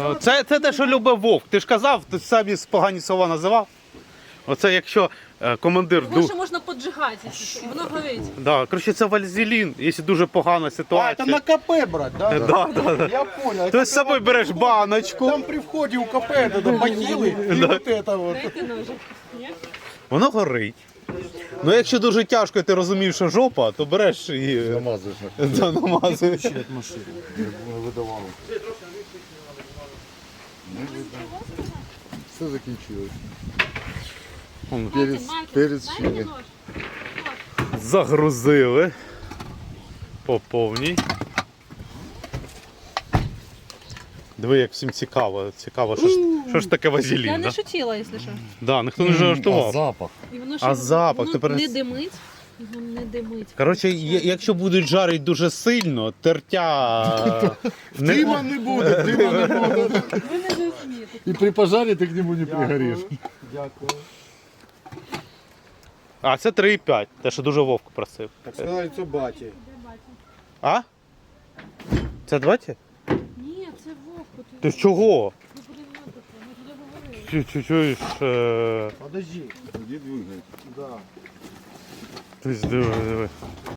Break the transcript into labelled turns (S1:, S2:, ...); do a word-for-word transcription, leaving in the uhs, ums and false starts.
S1: Ну, це, це те, що любить вовк. Ти ж казав, ти самі погані слова називав. Оце якщо е, командир...
S2: Його
S1: ду-
S2: ще можна поджигати, якщо що, і воно горить.
S1: Да, коротше, це вальзелін, якщо дуже погана
S3: А,
S1: ситуація.
S3: это на КП брать, да?
S1: Да, да, да.
S3: Я понял.
S1: Ти з собою береш баночку.
S3: Там при входе у КП это бахилы и вот это вот.
S2: Дайте ножик. Ні?
S1: Воно горить. Ну якщо дуже тяжко і ти розумієш, що жопа, то береш і
S4: Намазуєш на
S1: да, намазуєш.
S3: От машины.
S4: не видавали. Все закінчилось. Перець, перець ще
S2: Дайте
S4: не.
S2: нож.
S1: Загрузили по повній. Диви, як всім цікаво. Цікаво, що ж, що ж таке
S2: Я
S1: вазелін,
S2: не
S1: да?
S2: шутила, якщо що.
S1: Да, ніхто не жартував.
S4: запах.
S2: І воно
S1: А запах,
S2: воно
S1: тепер-
S2: не димить. Воно не димить.
S1: Коротше, є- якщо будуть жарити дуже сильно, тертя... не-
S4: Дима не буде, дима не буде.
S2: Ви не зрозумієте.
S4: І при пожарі ти к нему не пригориш.
S3: Дякую.
S1: А, це три і п'ять, те, що дуже Вовку просив.
S3: Так сказали, це баті.
S1: А? Це двадцять?
S2: Ні, це вовку.
S1: Ти з чого?
S2: Не переймайте це, ми туди говорили.
S1: Чу- чу- Чуєш? е,
S3: Подожди.
S4: Тоді двигай.
S3: Да.
S1: Ти диви, диви.